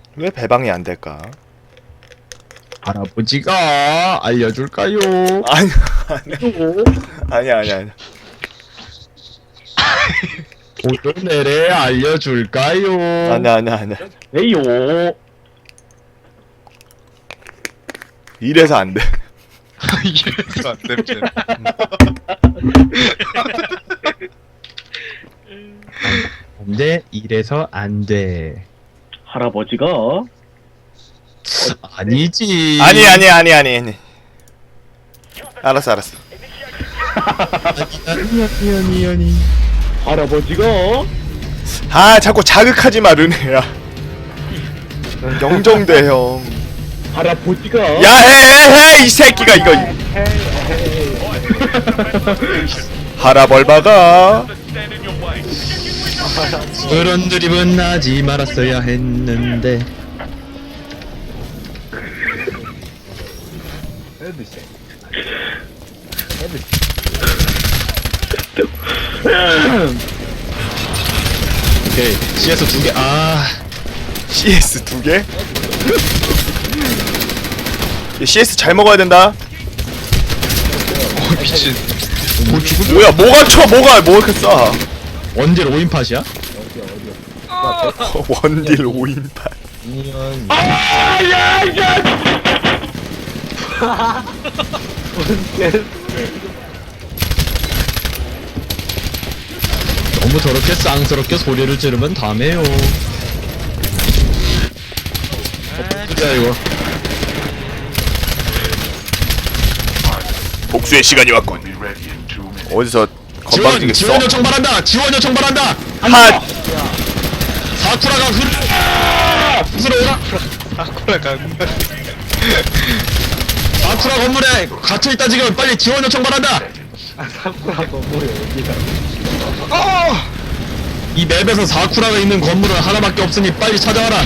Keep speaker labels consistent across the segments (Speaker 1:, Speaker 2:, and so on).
Speaker 1: 왜 배방이 안 될까?
Speaker 2: 할아버지가 알려줄까요?
Speaker 1: 아니 아니야.
Speaker 2: 오늘내래 알려줄까요?
Speaker 1: 아니야.
Speaker 2: 왜요?
Speaker 1: 이래서 안 돼.
Speaker 3: 이래서 안 됩니다.
Speaker 2: 안돼, 이래서 안돼.
Speaker 4: 할아버지가
Speaker 2: 아니지.
Speaker 1: 아니. 알았어.
Speaker 2: 아니.
Speaker 4: 할아버지가
Speaker 1: 아 자꾸 자극하지 마 르네야. 영정돼 형.
Speaker 4: 할아버지가
Speaker 1: 야 해 이 새끼가 이거. 할아벌바가
Speaker 2: 그런 드립은 하지 말았어야 했는데. 오케이, CS 2개.
Speaker 1: CS 2개? CS 잘 먹어야 된다.
Speaker 3: 미친.
Speaker 1: 뭐야 뭐가 이렇게 싸.
Speaker 2: 원딜 5인팟이야?
Speaker 1: 원딜 5인판.
Speaker 2: 너무 저렇게 쌍스럽게 소리를 지르면 다메요. 야 이거.
Speaker 1: 복수의 시간이 왔군. 어디서 건방지게 써?
Speaker 2: 지원 요청 바란다. 지원 요청 바란다.
Speaker 1: 핫!
Speaker 2: 사쿠라가 스스로라.
Speaker 3: 사쿠라가
Speaker 2: 사쿠라 건물에 갇혀 있다 지금. 빨리 지원 요청 바란다. 이 맵에서 사쿠라가 있는 건물은 하나밖에 없으니 빨리 찾아와라.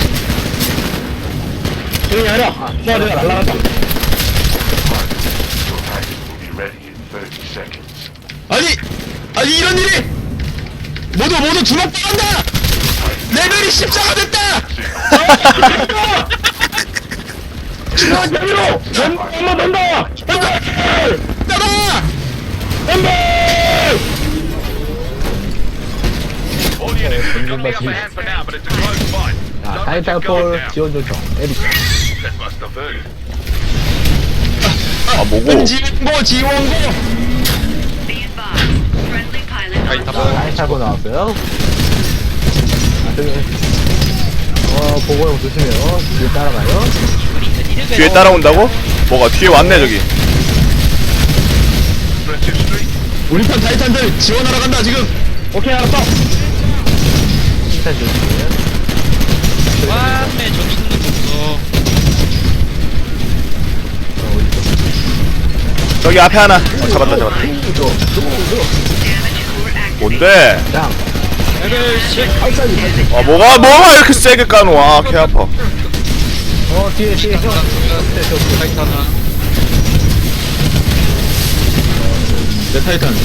Speaker 4: 조용히 하라. 수아가 날라간다.
Speaker 2: 아니 이런 일이 모두 주먹당한다. 레벨이 14가 됐다.
Speaker 4: 수아 제대로 엄마 된다.
Speaker 2: 따라.
Speaker 5: 자, 타이탈폴 지원 요청. 에디션.
Speaker 1: 아 뭐고?
Speaker 2: 지원고.
Speaker 5: 타이탈폴 나왔어요. 자, 저기. 보고형 조심해요. 뒤에 따라가요.
Speaker 1: 뒤에 따라온다고? 뭐가 뒤에 왔네 저기.
Speaker 2: 우리 편 타이탄들 지원하러 간다 지금.
Speaker 4: 오케이 알았어.
Speaker 5: 일단 조심해요.
Speaker 3: 맞네 저기 있는 거 없어.
Speaker 1: 저기 앞에 하나. 잡았다. 뭔데?
Speaker 5: 짱.
Speaker 3: 레벨 10.
Speaker 1: 아 뭐가 이렇게 세게 까노? 아 개 아파.
Speaker 5: 뒤에.
Speaker 3: 타이타나.
Speaker 2: 내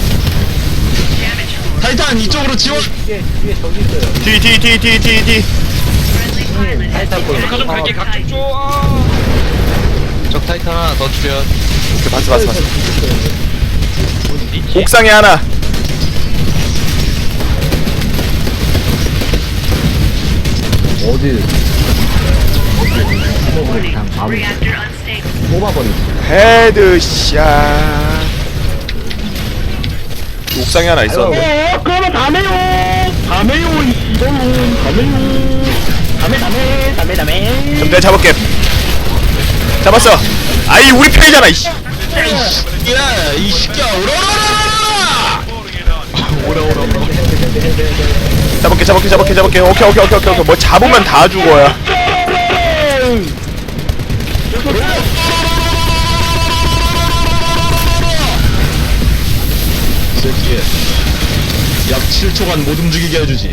Speaker 2: 타이탄 이쪽으로 지원.
Speaker 5: 뒤에 저기 있어요.
Speaker 1: 뒤.
Speaker 5: 타이탈폴.
Speaker 3: 좀 갈게 각좀 줘. 적 타이탄 하나 더 출연.
Speaker 1: 봤어. 옥상에 하나.
Speaker 5: 어디? 주먹으로 그냥 마음을 뽑아버리지.
Speaker 1: 헤드샷. 옥상에 하나 있어.
Speaker 4: 그러면 다메요 이 씨발놈 다메.
Speaker 1: 그럼 내가 잡을게. 잡았어. 아이 우리 편이잖아 이씨.
Speaker 2: 야, 이 새끼야, 오라.
Speaker 1: 잡을게. 오케이. 뭐 잡으면 다 죽어야.
Speaker 2: 새끼. 약 7초간 못 움직이게 해주지.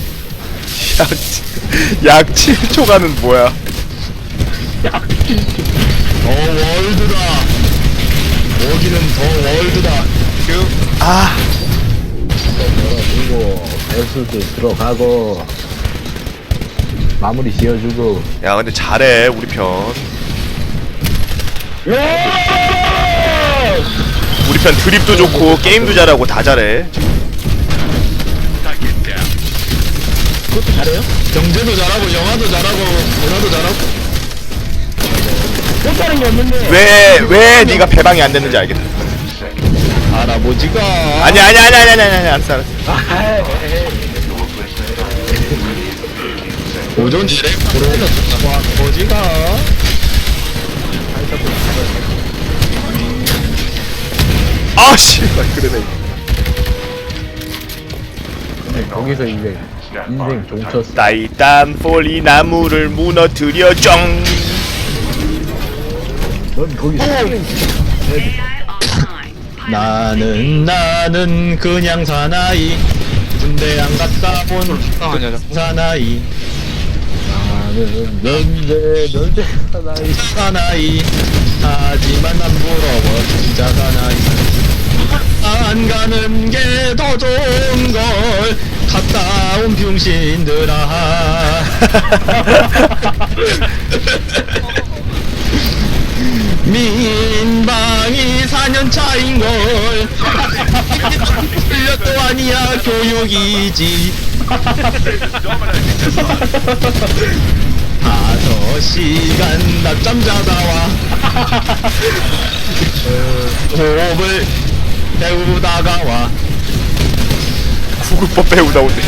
Speaker 1: 약 7초간은 뭐야?
Speaker 2: 월드다. 여기는 더 월드다.
Speaker 1: 아
Speaker 5: 열어주고, 배수도 들어가고. 마무리 지어주고.
Speaker 1: 야 근데 잘해 우리 편. 우리 편 드립도 좋고 게임도 잘하고 다 잘해.
Speaker 4: 그것도 잘해요?
Speaker 2: 경제도 잘하고 영화도 잘하고 문화도 잘하고.
Speaker 4: 못하는 게 없는데.
Speaker 1: 왜 네가 배방이 안 됐는지 알겠다.
Speaker 2: 할아버지가
Speaker 1: 아니 알았어.
Speaker 2: 오전 지뢰 보러 할아버지가
Speaker 1: 아씨 그러네.
Speaker 5: 거기서 이제 인생 종쳤어.
Speaker 1: 따이딴 폴이 나무를 무너뜨려 쩡.
Speaker 5: 넌 거기서
Speaker 2: 나는 그냥 사나이 군대 안 갔다 본
Speaker 3: 식당하냐
Speaker 2: 사나이
Speaker 5: 나는 넌데 사나이.
Speaker 2: 사나이 하지만 난 부러워 진짜 사나이 안 가는 게 더 좋은 걸 갔다 온 병신들아 민방위 4년 차인걸 1년도 아니야 교육이지 5시간 낮잠 자다 와 호흡을 배우다가 와
Speaker 1: 구급법 배우다 오네.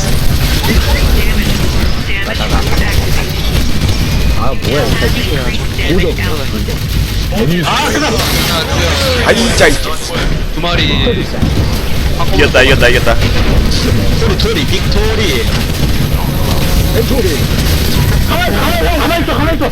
Speaker 5: 아 뭐야 이거.
Speaker 1: 아이짜 이제
Speaker 3: 두 마리
Speaker 1: 이겼다.
Speaker 2: 토리 빅토리
Speaker 4: 가만 있어.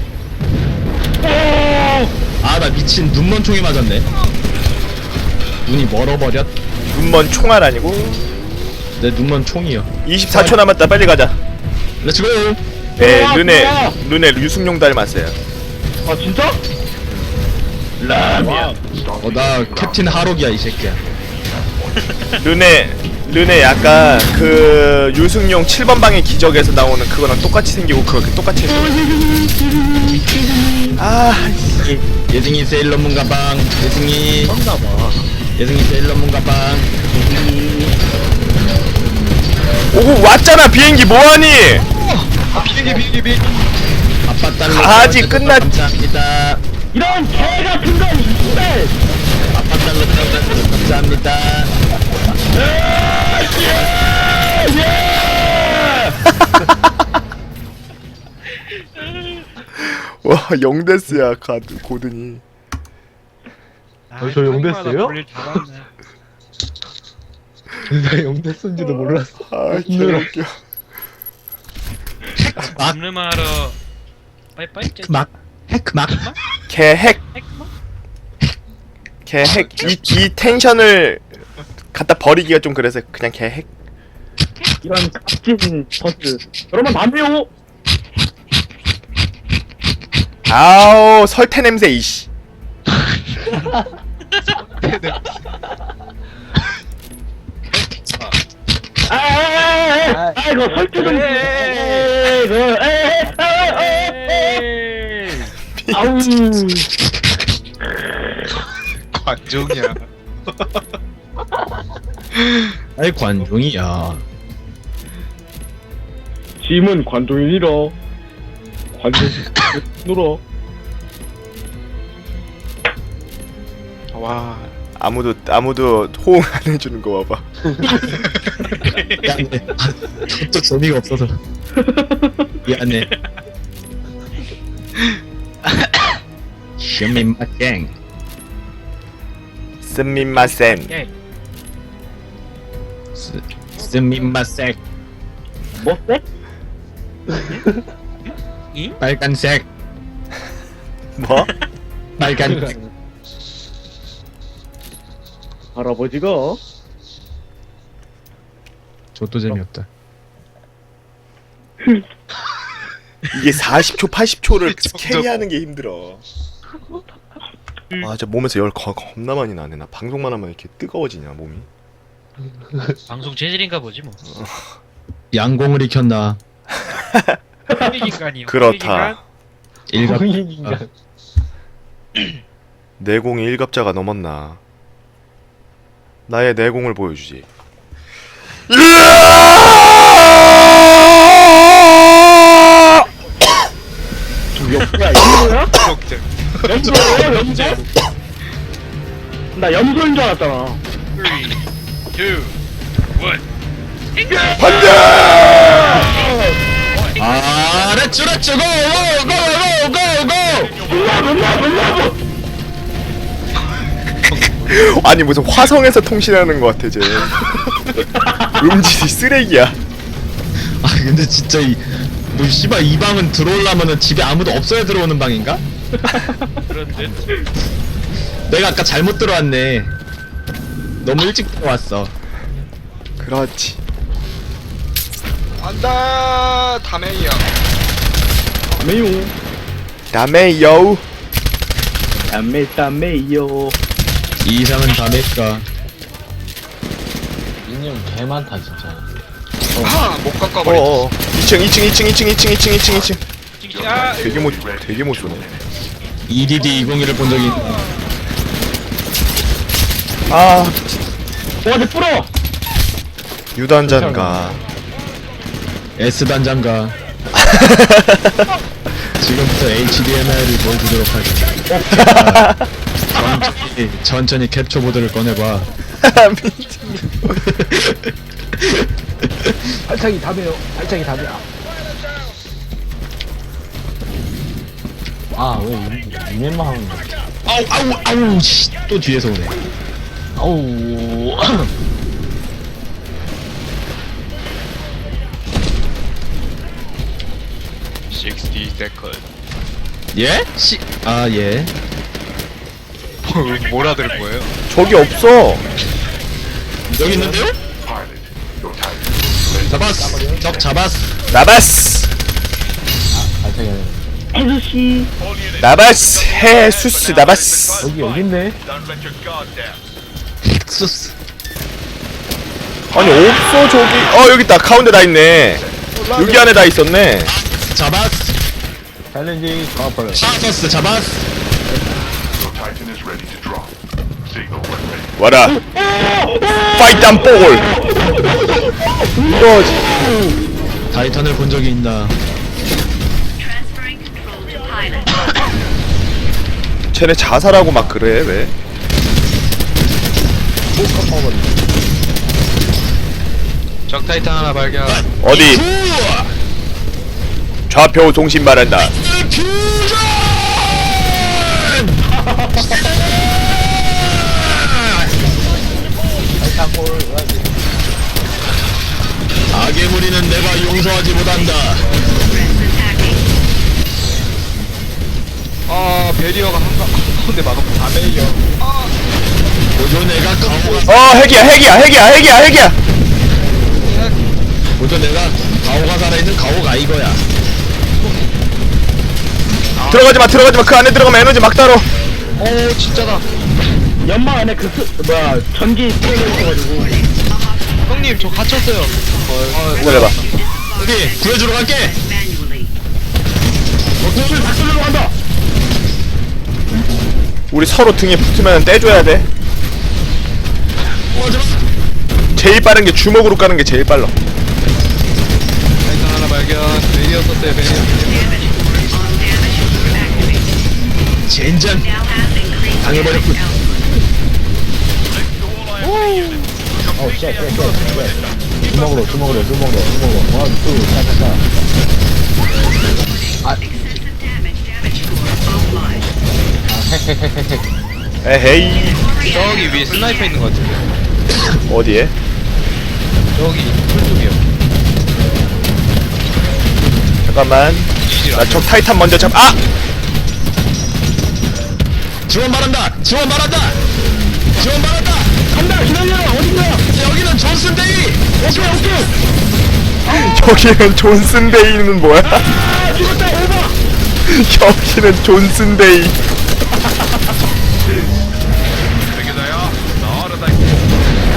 Speaker 2: 아 나 미친 눈먼 총에 맞았네 눈이 멀어버렸
Speaker 1: 눈먼 총알 아니고.
Speaker 2: 내 눈먼 총이요
Speaker 1: 24초 남았다. 빨리 가자.
Speaker 2: 렛츠고
Speaker 1: 네,
Speaker 4: 좋아.
Speaker 1: 르네 유승용 닮았어요.
Speaker 4: 아 진짜?
Speaker 2: 나 캡틴 하록이야 이 새끼야
Speaker 1: 르네 약간 그 유승용 7번 방의 기적에서 나오는 그거랑 똑같이 생기고 그렇게 똑같이 했어. 아,
Speaker 2: 예승이 세일러문 가방 예승이 예승이 세일러문 가방
Speaker 1: 오고 왔잖아 비행기 뭐하니?
Speaker 3: 비행기
Speaker 2: 아빠 딸로
Speaker 1: 가지,
Speaker 2: 태워줘서
Speaker 1: 끝났-
Speaker 2: 감사합니다
Speaker 4: 이런 개 같은 건 이발.
Speaker 2: 아빠 딸로 태워줘서 감사합니다
Speaker 1: 와 0데스야 가드 고든이.
Speaker 5: 저 용됐어요? 나 용됐는지도 몰랐어.
Speaker 1: 아 개웃겨.
Speaker 6: 잡느마러 빠이빠이
Speaker 2: 막 핵막
Speaker 1: 개핵 이 텐션을 갖다 버리기가 좀 그래서 그냥 개핵.
Speaker 4: 이런 값진 버스. 여러분 담배요.
Speaker 1: 아우 설태 냄새 이씨.
Speaker 4: 이거 설득 좀. 아우.
Speaker 3: 관종이야
Speaker 2: 아이 관종이야
Speaker 4: 짐은 관종이니라. 관종 놀아.
Speaker 3: 와
Speaker 1: 아무도 호응 안 해주는 거 봐봐.
Speaker 2: 미안해 저쪽 재미가 없어서 미안해 슈민마생
Speaker 1: 스미마센.
Speaker 2: 스민마색
Speaker 4: 뭐 쎄?
Speaker 2: 빨간색
Speaker 1: 뭐?
Speaker 2: 빨간색
Speaker 4: 할아버지가
Speaker 2: 저도 재미없다
Speaker 1: 이게 40초 80초를 캐리하는 게 힘들어. 아 진짜 몸에서 열 겁나 많이 나네. 나 방송만 하면 이렇게 뜨거워지냐 몸이.
Speaker 6: 방송 재질인가 보지 뭐.
Speaker 2: 양공을 익혔나
Speaker 6: 홍익인간이요.
Speaker 1: 그렇다.
Speaker 2: 일갑
Speaker 5: 인간.
Speaker 1: 내공이 1갑자가 넘었나. 나의 내공을 보여주지.
Speaker 4: 야 이거야?
Speaker 6: 홍익.
Speaker 4: 염소야 염소? 나 염소인 줄 알았잖아.
Speaker 6: 3, 2, 1.
Speaker 2: 아 렛츠 렛츠 고고고고고고
Speaker 1: 아니 무슨 화성에서 통신하는 것 같아 쟤. 음질이 쓰레기야.
Speaker 2: 아 근데 진짜 뭐 씨발 이 방은 들어오려면은 집에 아무도 없어야 들어오는 방인가?
Speaker 6: 그런데
Speaker 2: 내가 아까 잘못 들어왔네. 너무 일찍 들어왔어.
Speaker 1: 그렇지.
Speaker 3: 안다 다메이야.
Speaker 4: 메요.
Speaker 1: 다음에 여우.
Speaker 4: 담메요.
Speaker 2: 이 이상은 다 낼까?
Speaker 5: 인형 개 많다 진짜.
Speaker 3: 아못 깎아버려.
Speaker 1: 어어. 2층.
Speaker 6: 아
Speaker 1: 되게 못 쏘네.
Speaker 2: EDD 201을 본 적이 있나?
Speaker 1: 아
Speaker 4: 어디 뿌려?
Speaker 1: 유단잔가.
Speaker 2: S 단장가. 지금부터 HDMI를 보여주도록 하겠습니다. 천천히 캡처보드를 꺼내봐.
Speaker 5: 발차기 답이에요. 발차기 답이야. 아왜 이면만 하는 거야?
Speaker 2: 아우 씨, 또 뒤에서 오네.
Speaker 5: 아우.
Speaker 3: 60 세컨.
Speaker 2: 예? 아 예.
Speaker 3: 뭐라 들은 거예요?
Speaker 1: 저기 없어.
Speaker 2: 여기 있는데요? 잡았어. 적 잡았어.
Speaker 1: 나바스.
Speaker 5: 발차기 하는
Speaker 4: 아저씨.
Speaker 1: 나바스. 헤수스 나바스.
Speaker 5: 여기 있네.
Speaker 2: 엑소스.
Speaker 1: 아니 없어 저기. 여기 있다. 가운데 다 있네. 여기 안에 다 있었네.
Speaker 2: 잡았어.
Speaker 5: 챌린지 가버려.
Speaker 2: 잡았어. 잡았어.
Speaker 1: 와라. 파이트 안 볼. 이거지.
Speaker 2: 타이탄을 본 적이 있나?
Speaker 7: Transferring control to pilot.
Speaker 1: 쟤네 자살하고 막 그래 왜?
Speaker 3: 적 타이탄 하나 발견.
Speaker 1: 어디? 좌표 동심 말한다.
Speaker 2: 악의 무리는 내가 용서하지 못한다.
Speaker 3: 아 베리어가 한가운데 막으면 다메이요.
Speaker 2: 보조 내가 가오가
Speaker 1: 핵이야.
Speaker 2: 보조 내가 가오가 살아있는 가오가 이거야.
Speaker 1: 들어가지 마. 그 안에 들어가면 에너지 막 달어.
Speaker 3: 진짜다.
Speaker 4: 연막 안에 전기 뿌려놓고가지고.
Speaker 3: 형님 저 갇혔어요.
Speaker 1: 기다려봐.
Speaker 2: 어디 구해주러 갈게.
Speaker 7: Manually.
Speaker 4: 돈을 다 쏠려고 한다.
Speaker 1: 우리 서로 등에 붙으면 떼줘야 돼. 제일 빠른 게 주먹으로 까는 게 제일 빨라.
Speaker 3: 타이탄 하나 발견. 베리어 썼어요 베리어.
Speaker 2: 젠장
Speaker 7: Now has increased
Speaker 2: 당해버렸군.
Speaker 5: 주먹으로. 원, 투, 차차차.
Speaker 7: excessive damage score above line.
Speaker 1: 에헤이.
Speaker 3: 저기 위에 스나이퍼 있는 것 같은데.
Speaker 1: 어디에?
Speaker 3: 저기 풀숲이요.
Speaker 1: 잠깐만. 나 적 타이탄 먼저 잡.
Speaker 2: 지원 바란다.
Speaker 4: 간다 기다려 어딘가.
Speaker 2: 여기는 존슨데이.
Speaker 1: 여기는 존슨데이는 뭐야?
Speaker 4: 죽었다 오바.
Speaker 1: 여기는 존슨데이.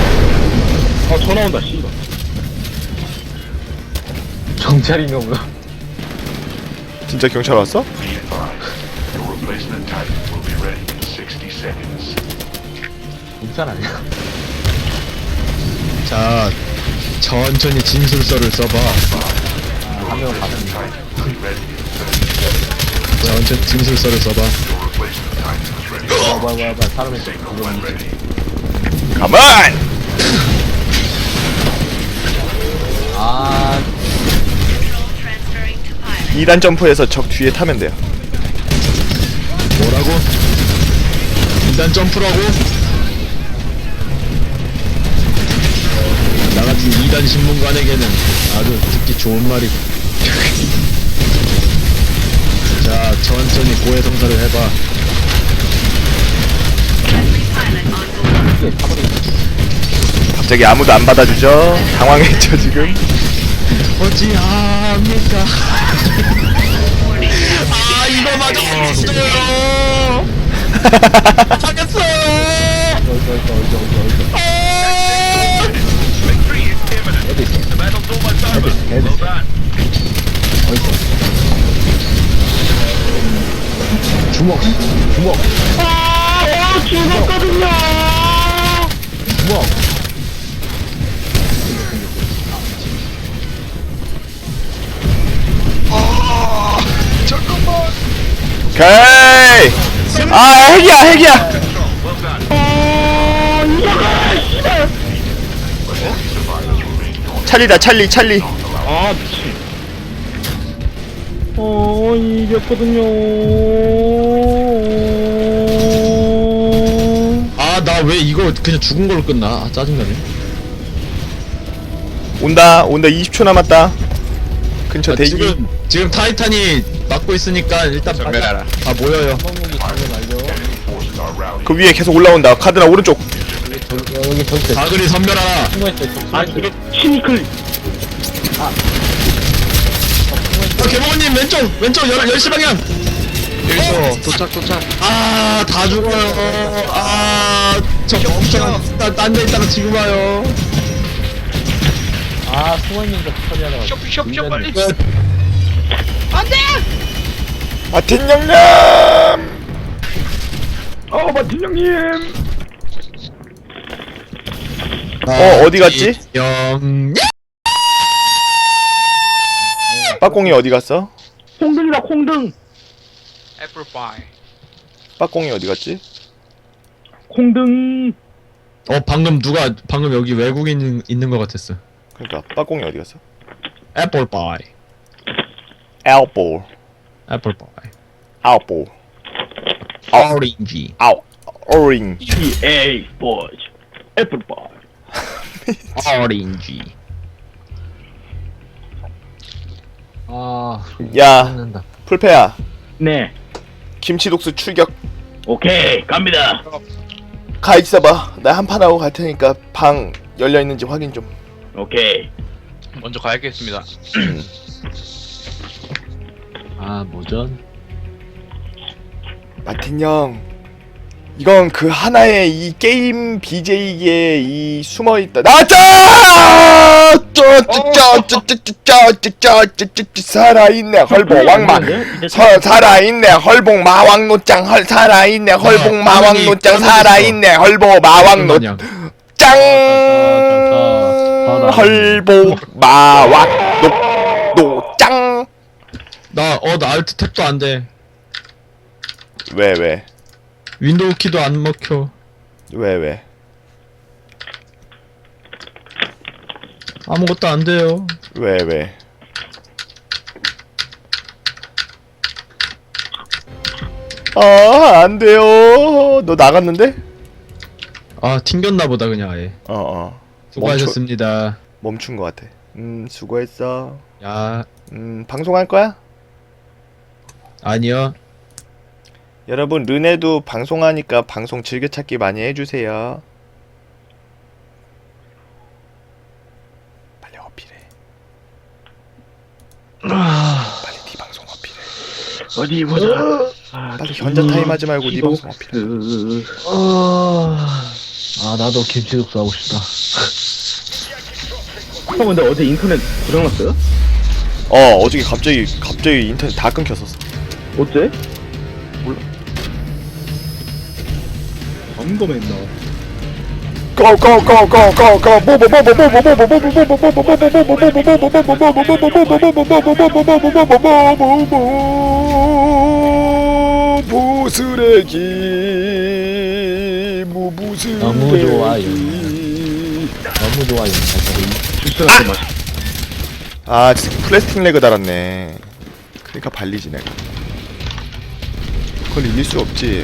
Speaker 4: 전화 온다 씨발.
Speaker 5: 경찰인가 보다.
Speaker 1: 진짜 경찰 왔어?
Speaker 5: 인산 아니야?
Speaker 2: 자, 천천히 진술서를 써봐.
Speaker 5: 한 명은 봤습니다.
Speaker 2: 천천히 진술서를 써봐.
Speaker 5: 뭐야 사람이
Speaker 1: 가만!
Speaker 5: 아
Speaker 7: Control transferring to pilot.
Speaker 1: 2단 점프해서 적 뒤에 타면 돼요.
Speaker 2: 뭐라고? 일단 점프라고? 나같은 2단 신문관에게는 아주 듣기 좋은 말이고. 자, 천천히 고해성사를 해봐.
Speaker 7: Friendly pilot on board.
Speaker 1: 갑자기 아무도 안 받아주죠? 당황했죠 지금?
Speaker 2: 어찌합니까? 아, 이거 맞았어요! 하겠어요!
Speaker 6: Victory is imminent. The battle's almost over. Well done.
Speaker 5: 주먹
Speaker 4: 죽었거든요.
Speaker 5: 주먹
Speaker 1: 오케이! 아 핵이야!
Speaker 6: Well done.
Speaker 1: 찰리다 찰리
Speaker 4: 아 미친. 이겼거든요.
Speaker 2: 아, 나 왜 이거 그냥 죽은 걸로 끝나? 아, 짜증나네.
Speaker 1: 온다 20초 남았다. 근처
Speaker 2: 아,
Speaker 1: 대기.
Speaker 2: 지금 타이탄이 막고 있으니까 일단
Speaker 3: 전멸하라.
Speaker 2: 다 모여요.
Speaker 5: 한번무기 장면 알죠?
Speaker 1: 그 위에 계속 올라온다. 카드나 오른쪽.
Speaker 5: 여기 저기 있어.
Speaker 2: 사그리 선멸하라.
Speaker 5: 숨어있어
Speaker 4: 아 이게 치니클.
Speaker 2: 개봉님 왼쪽 10시 방향.
Speaker 3: 여기서 도착.
Speaker 2: 아, 다 죽어요. 아, 저 멍청한 딴데 있다가 지금 와요.
Speaker 5: 아 숨어있는 거 처리하다가
Speaker 6: 쇼 빨리.
Speaker 2: 끝.
Speaker 1: 마틴 영남.
Speaker 4: 마틴 형님.
Speaker 1: 어디 갔지?
Speaker 2: 영.
Speaker 1: 빠꽁이 어디 갔어?
Speaker 4: 콩등이다 콩등.
Speaker 6: Apple pie.
Speaker 1: 빠꽁이 어디 갔지?
Speaker 4: 콩등.
Speaker 2: 방금 여기 외국인 있는 것 같았어.
Speaker 1: 그러니까 빠꽁이 어디 갔어?
Speaker 2: 애플 파이.
Speaker 1: 엘볼.
Speaker 2: 애플 파이.
Speaker 1: 아웃볼.
Speaker 2: 오렌지.
Speaker 1: 아웃. 오링.
Speaker 4: EA 보즈. 애플파이.
Speaker 2: 오렌지.
Speaker 5: 아
Speaker 1: 야
Speaker 5: 끝난다.
Speaker 1: 풀페야.
Speaker 4: 네.
Speaker 1: 김치독수 출격.
Speaker 4: 오케이 갑니다.
Speaker 1: 가 있어봐. 나 한판 하고 갈 테니까 방 열려 있는지 확인 좀.
Speaker 4: 오케이.
Speaker 3: 먼저 가야겠습니다.
Speaker 5: 아 모전
Speaker 1: 마틴 형. 이건 그 하나의 이 게임 BJ기에 이 숨어있다. 나왔다! 살아있네 헐보 왕마. 살아있네 헐복 마왕노짱 살아있네 헐복 마왕노짱 살아있네 헐보 마왕노
Speaker 2: 마냥.
Speaker 1: 짱 헐보 마왕 노짱.
Speaker 2: 나 알트 탭도 안 돼.
Speaker 1: 왜?
Speaker 2: 윈도우 키도 안 먹혀.
Speaker 1: 왜?
Speaker 2: 아무것도 안 돼요.
Speaker 1: 왜? 아, 안 돼요. 너 나갔는데?
Speaker 2: 아, 튕겼나 보다 그냥 아예. 수고하셨습니다.
Speaker 1: 멈춘 것 같아. 수고했어.
Speaker 2: 야,
Speaker 1: 방송할 거야?
Speaker 2: 아니요.
Speaker 1: 여러분, 르네도 방송하니까 방송 즐겨찾기 많이 해주세요. 빨리 어필해. 빨리 네 방송 어필해.
Speaker 4: 어디 보자.
Speaker 1: 빨리 현자 타임 하지 말고 네 방송 어필해.
Speaker 5: 아 나도 김치국수 하고 싶다.
Speaker 4: 형 근데 어제 인터넷 고장났어요?
Speaker 1: 어저께 갑자기 인터넷 다 끊겼었어.
Speaker 8: 어째?
Speaker 1: 무쓰레기
Speaker 5: 너무 좋아요. 너무 좋아요.
Speaker 1: 아 진짜 플래스틱 레그 달았네. 그러니까 발리지 내가. 그걸 이길 수 없지.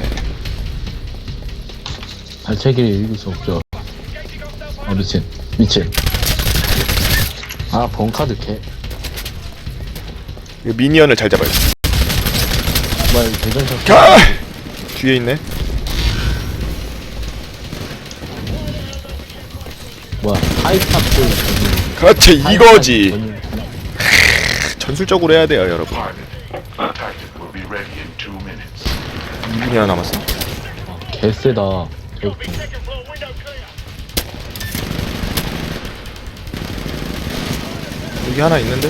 Speaker 5: 발차기를 읽을 수 없죠. 미친. 아, 번카드 개.
Speaker 1: 이거 미니언을 잘 잡아야 돼.
Speaker 5: 정말 대전샷.
Speaker 1: 가! 뒤에 있네.
Speaker 5: 뭐야, 하이탑도.
Speaker 1: 그렇지 이거지. 전술적으로 해야 돼요 여러분.
Speaker 6: Titan will be ready in 2 minutes.
Speaker 1: 2분이 하나 남았어.
Speaker 5: 개쎄다. 개웃기.
Speaker 1: 여기 하나 있는데?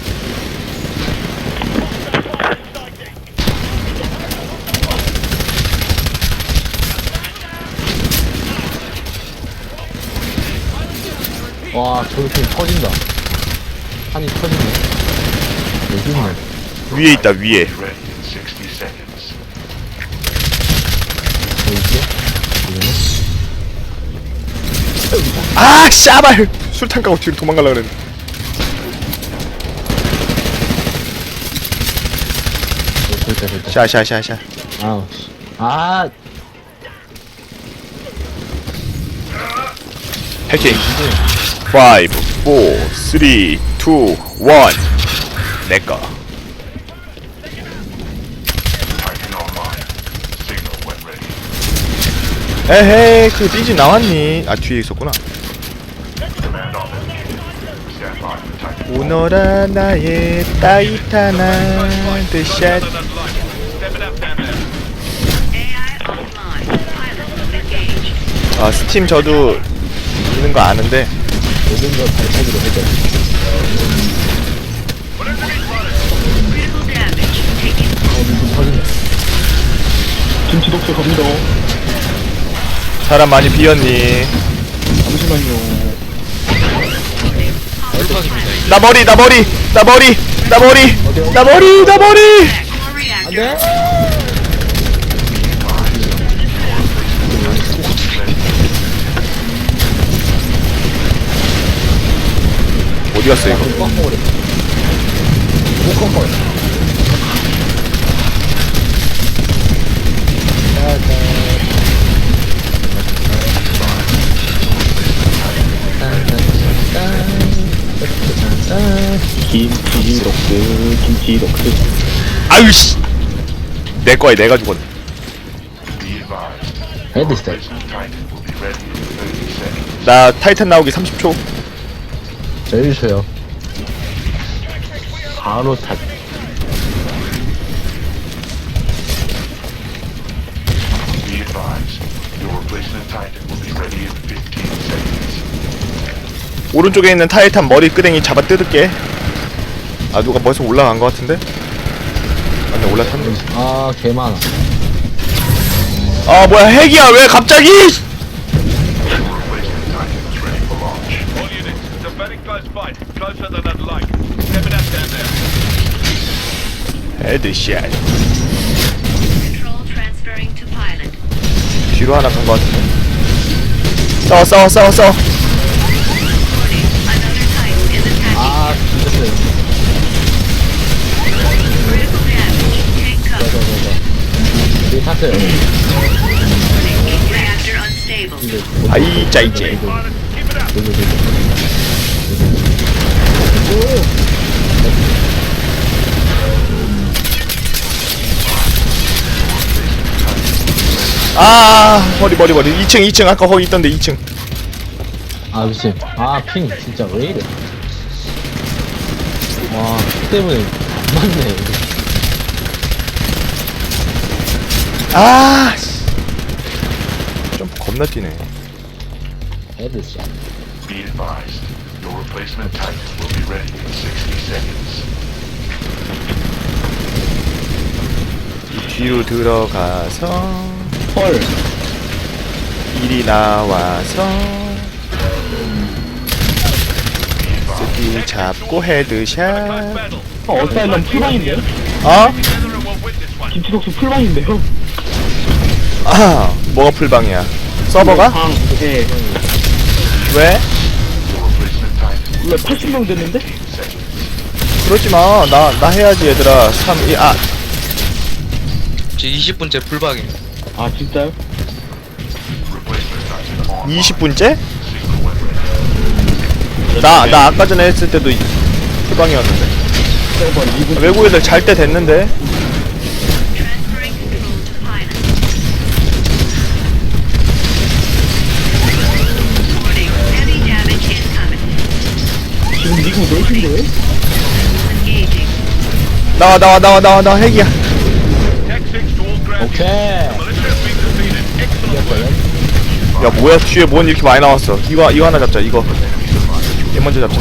Speaker 5: 와, 저렇게 터진다. 판이 터지네. 여기 있네.
Speaker 1: 위에 있다 위에.
Speaker 6: Be ready in 60 seconds.
Speaker 5: 여기 있어?
Speaker 1: 아 씨발! 술탄 까고 뒤로 도망가려 그랬는데.
Speaker 5: 됐다.
Speaker 1: 샤샤샤샤.
Speaker 5: 아우, 씨. 아,
Speaker 1: 해킹. 5 4 3 2 1 내꺼.
Speaker 6: Titan online. Signal when ready.
Speaker 1: 에헤이 그 삐지 나왔니? 아 뒤에 있었구나.
Speaker 6: Command officer. Stand by for Titan.
Speaker 1: 오너라 나의 타이타나 드샷.
Speaker 7: AI offline. Pilot engaged.
Speaker 1: 아 스팀 저도 있는 거 아는데
Speaker 5: 모든 걸 발차기로 해줘.
Speaker 7: Critical damage. Taken.
Speaker 5: 미친 터진다.
Speaker 8: 김치 독서 갑니다.
Speaker 1: 사람 많이 비었니?
Speaker 8: 잠시만요.
Speaker 1: 나 머리
Speaker 7: Core reactor.
Speaker 1: 어디 갔어 이거?
Speaker 8: 김치 독서.
Speaker 1: 아유 씨. 내 거야 내가 죽었네.
Speaker 6: Be advised.
Speaker 5: 헤드셋.
Speaker 6: Replacement Titan will be ready in 30 seconds.
Speaker 1: 나 타이탄 나오기 30초.
Speaker 5: 제일 쉬워요. 바로 타.
Speaker 6: Be advised. Your replacement Titan will be ready in 15 seconds.
Speaker 1: 오른쪽에 있는 타이탄 머리 끄댕이 잡아 뜯을게. 아 누가 벌써 올라간 거 같은데? 아니 올라탔네.
Speaker 5: 아, 개 많아.
Speaker 1: 아 뭐야 핵이야 왜 갑자기?
Speaker 6: Your replacement Titan is ready for launch.
Speaker 9: All units, it's a very close fight. Closer than I'd like. Step it up down there.
Speaker 1: 헤드샷.
Speaker 7: Control transferring to pilot.
Speaker 1: 뒤로 하나 간 거 같은데. 싸워.
Speaker 7: Reporting. Another Titan is attacking.
Speaker 5: 아, 죽였어요.
Speaker 7: Critical damage. Take cover.
Speaker 5: 여기 탔어요.
Speaker 7: Reactor unstable.
Speaker 1: 아이 짜이제. 아 머리 2층 아까 거기 있던데 2층.
Speaker 5: 아, 미친. 아, 핑. 진짜 왜 이래. 와, 피 때문에 안 맞네.
Speaker 1: 아 점프 겁나 뛰네.
Speaker 5: 헤드샷.
Speaker 6: Be advised. Your replacement Titan will be ready in 60 seconds.
Speaker 1: 뒤로 들어가서
Speaker 8: 헐.
Speaker 1: 이리 나와서 스킬 잡고 헤드샷.
Speaker 8: 어사일럼 풀방인데요?
Speaker 1: 어?
Speaker 9: Together and we'll win this one.
Speaker 8: 김치독수 풀방인데요?
Speaker 1: 아, 뭐가 풀방이야? 서버가?
Speaker 8: 방, 예.
Speaker 1: 왜?
Speaker 8: 왜 80명 됐는데?
Speaker 1: 그러지 마. 나 해야지 얘들아. 3, 2, 아,
Speaker 3: 제 20분째 풀박이에요.
Speaker 8: 아, 진짜요?
Speaker 1: 20분째? 나 아까 전에 했을 때도 풀방이었는데.
Speaker 8: 세번 2분.
Speaker 1: 외국 애들 잘 때 됐는데.
Speaker 7: Transferring control to pilot. Warning, heavy damage incoming.
Speaker 8: 지금 미국 4시인데?
Speaker 7: Engaging.
Speaker 1: 나와 핵이야.
Speaker 9: Tech 6 to all ground.
Speaker 5: 오케이.
Speaker 9: Militia has been defeated. Excellent.
Speaker 1: 야 뭐야 뒤에 뭔 이렇게 많이 나왔어. 이거 하나 잡자. 이거 얘 먼저 잡자.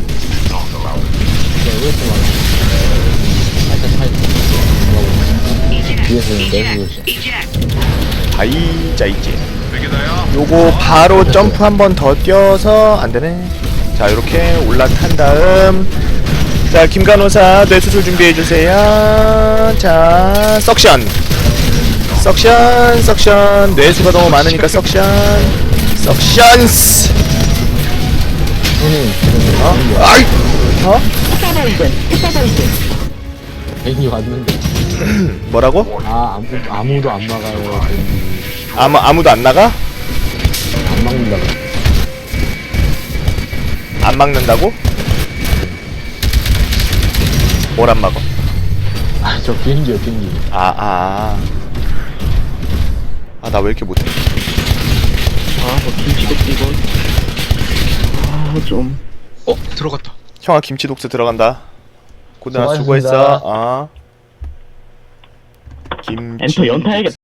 Speaker 5: 뒤에서 내부
Speaker 7: Eject. Eject.
Speaker 1: 바이 짜이지.
Speaker 9: Figure they are.
Speaker 1: 요거 바로 점프 한 번 더 뛰어서 안 되네. 자 이렇게 올라탄 다음 자 김간호사 뇌수술 준비해 주세요. 자 석션 뇌수가 너무 많으니까 석션스.
Speaker 5: 형님
Speaker 1: 어? 아이 어?
Speaker 5: 괜히 왔는데
Speaker 1: 뭐라고?
Speaker 5: 아 아무도 안 막아요.
Speaker 1: 아무도 안 나가?
Speaker 5: 안 막는다고.
Speaker 1: 안 막는다고? 뭘 안 막어?
Speaker 5: 저 비행기요 비행기.
Speaker 1: 아 나 왜 이렇게 못해?
Speaker 8: 아, 저 김치독수 이거. 아, 좀.
Speaker 3: 들어갔다.
Speaker 1: 형아 김치 독스 들어간다. 고등아
Speaker 5: 수고하셨습니다.
Speaker 1: 수고했어. 김치
Speaker 8: 엔터 연타해야겠다.